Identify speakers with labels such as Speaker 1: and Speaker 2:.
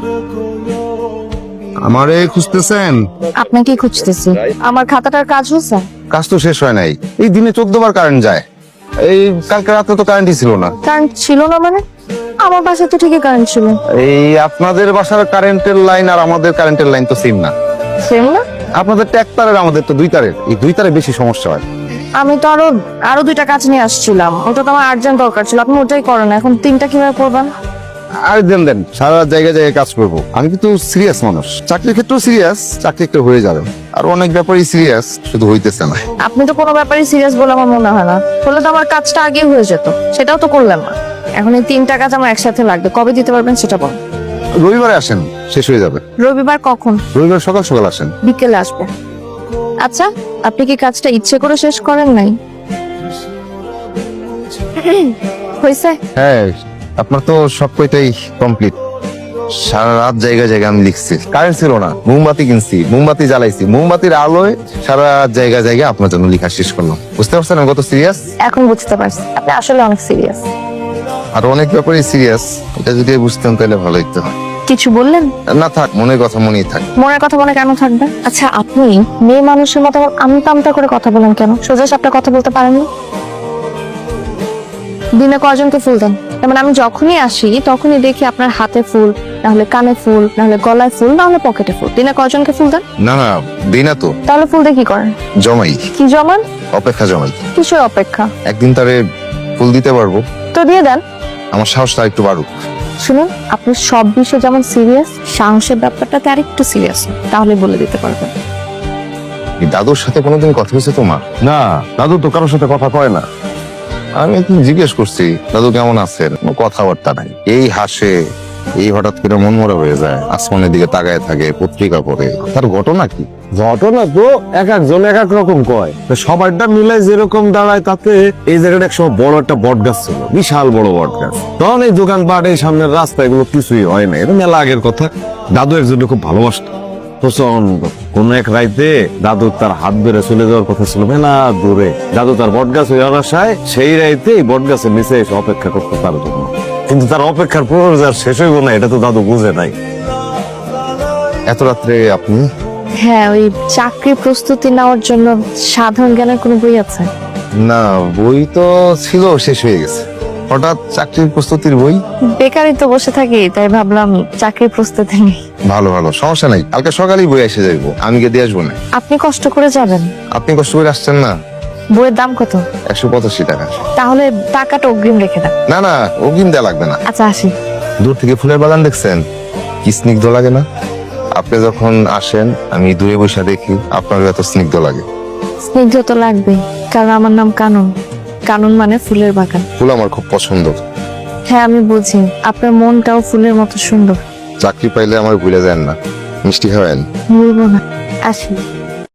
Speaker 1: আমারে খুঁজতেছেন?
Speaker 2: আপনাকে খুঁজতেছি। আমার খাতাটার কাজ হচ্ছে?
Speaker 1: কাজ তো শেষ হয় নাই। এই দিনে 14 বার কারেন্ট যায়। এই কালকে রাতে তো কারেন্টই ছিল না।
Speaker 2: কারেন্ট ছিল না মানে? আমার বাসায় তো ঠিকই কারেন্ট ছিল।
Speaker 1: এই আপনাদের বাসার কারেন্টের লাইন আর আমাদের কারেন্টের লাইন তো সেম না।
Speaker 2: সেম না?
Speaker 1: আপনাদের তো এক তারের, আমাদের তো 2 তারের। এই 2 তারে বেশি সমস্যা হয়।
Speaker 2: আমি তো আরো 2টা কাজ নিয়ে আসছিলাম। ওটা তো আমার আর্জেন্ট দরকার ছিল, আপনি ওটাই করেন। এখন 3টা কিভাবে করবেন?
Speaker 1: আর দেন সারা জায়গায় জায়গায় কাজ করবো। আমি কিন্তু সিরিয়াস মানুষ, চাকরির ক্ষেত্রেও সিরিয়াস, চাকরি একটা হয়ে যাবে। আর অনেক ব্যাপারই সিরিয়াস, শুধু হইতেছে না।
Speaker 2: আপনি তো কোনো ব্যাপারই সিরিয়াস বলে আমার মনে হয় না। হলে তো আমার কাজটা আগে হয়ে যেত, সেটাও তো করলেন না। এখন এই 3টা কাজ আমার একসাথে লাগবে, কবে দিতে পারবেন সেটা বল।
Speaker 1: রবিবারে আসেন, শেষ হয়ে যাবে।
Speaker 2: রবিবার কখন?
Speaker 1: রবিবার সকাল সকাল আসেন।
Speaker 2: বিকেলে আসবো। আচ্ছা, আপনি কি কাজটা ইচ্ছে করে শেষ করেন নাই? হয়েছে?
Speaker 1: হ্যাঁ, আপনার তো সব কয়টাই কমপ্লিট। সারা রাত জায়গায় জায়গায় আমি লিখছি। কারেন্ট ছিল না, মোমবাতি কিনছি, মোমবাতি জ্বালাইছি, মোমবাতির আলোয় সারা রাত জায়গায় জায়গায় আপনার জন্য লেখা শেষ করলাম। বুঝতে পারছেন আমি কত সিরিয়াস?
Speaker 2: এখন বুঝতে পারছি আপনি আসলে অনেক সিরিয়াস।
Speaker 1: আর অনেক ব্যাপারই সিরিয়াস। এটা যদি বুঝতেন তাহলে ভালো হইতো।
Speaker 2: কিছু বললেন?
Speaker 1: না থাক, মনের কথা মনেই থাক।
Speaker 2: মনের কথা মনে কেন থাকবে? আচ্ছা, আপনি মেয়ে মানুষের মতো আমতা আমতা করে কথা বলেন কেন? সোজা সাপটা কথা বলতে পারেন না? দিনে কয়জনকে ফুল দেন? মানে আমি যখনই আসি তখনই দেখি আপনার হাতে ফুল, না হলে কানে ফুল, না হলে গলায় ফুল, না হলে পকেটে ফুল। দিনে কয়জনকে ফুল দেন?
Speaker 1: না না, দিই না তো।
Speaker 2: তাহলে ফুল দিয়ে কি করেন?
Speaker 1: জমাই।
Speaker 2: কি জমান?
Speaker 1: অপেক্ষা জমাই।
Speaker 2: কিসের অপেক্ষা?
Speaker 1: একদিন তারে ফুল দিতে পারবো।
Speaker 2: তো দিয়ে দেন।
Speaker 1: আমার সাহসটা একটু বাড়ুক।
Speaker 2: শুনুন, আপনি সব বিষয়ে যেমন সিরিয়াস, সাহসের ব্যাপারটাতে আরেকটু সিরিয়াস, তাহলে বলে দিতে পারবেন।
Speaker 1: এই দাদুর সাথে কোনোদিন কথা হয়েছে তোমার?
Speaker 3: না, দাদু তো কারোর সাথে কথা কয় না।
Speaker 1: আমি একদিন জিজ্ঞেস করছি দাদু কেমন আছেন, কোনো কথাবার্তা নাই। এই হাসে, এই হঠাৎ করে মন মরা হয়ে যায়, আসমানের দিকে তাকায় থাকে, পত্রিকা পড়ে। তার ঘটনা কি?
Speaker 3: ঘটনা তো এক একজন এক এক রকম কয়। তো সবারটা মিলাই যেরকম দাঁড়ায় তাতে এই জায়গাটা একসময় বড় একটা বট গাছ ছিল, বিশাল বড় বট গাছ। তখন এই দোকানপাট, এই সামনের রাস্তা, এগুলো কিছুই হয় না। এটা মেলা আগের কথা। দাদু একজনকে খুব ভালোবাসত প্রচন্ড। কোন এক রাইতে দাদু তার হাত বেড়ে চলে যাওয়ার কথা ছিল মেলা দূরে। দাদু তার বট গাছ হয়ে আসায় সেই রাইতে এই বট গাছের নিচে এসে অপেক্ষা করতে তার জন্য। কিন্তু তার অপেক্ষার প্রয়োজন শেষ হইব না, এটা তো দাদু বুঝে নাই।
Speaker 1: এত রাত্রে আপনি?
Speaker 2: হ্যাঁ, ওই চাকরির প্রস্তুতি নেওয়ার জন্য সাধারণ জ্ঞানের কোনো বই আছে?
Speaker 1: না, বই তো ছিল, শেষ হয়ে গেছে। হঠাৎ চাকরির প্রস্তুতির বই?
Speaker 2: বেকারই তো বসে থাকি, তাই ভাবলাম চাকরির প্রস্তুতি নেই।
Speaker 1: ভালো ভালো, সমস্যা নাই। কালকে সকালেই বই এসে যাইবো, আমি গিয়ে দিয়ে আসবো না।
Speaker 2: আপনি কষ্ট করে যাবেন?
Speaker 1: আপনি কষ্ট করে আসছেন না।
Speaker 2: বইয়ের দাম কত?
Speaker 1: 185 টাকা।
Speaker 2: তাহলে টাকাটা অগ্রিম রেখে দেন।
Speaker 1: না না, অগ্রিম দেওয়া লাগবে না।
Speaker 2: আচ্ছা, আসি।
Speaker 1: দূর থেকে ফুলের বাগান দেখছেন, কি স্নিগ্ধ লাগে না? আপনি যখন আসেন আমি দূরে বসে দেখি, আপনার এত স্নিগ্ধ লাগে।
Speaker 2: স্নিগ্ধ তো লাগবেই, কারণ আমার নাম কানন। কানন মানে ফুলের বাগান।
Speaker 1: ফুল আমার খুব পছন্দ।
Speaker 2: হ্যাঁ, আমি বুঝি। আপনার মনটাও ফুলের মতো সুন্দর।
Speaker 1: চাকরি পাইলে আমার ভুলে যান না, মিষ্টি খাওয়ান।
Speaker 2: বলবো না। আসি।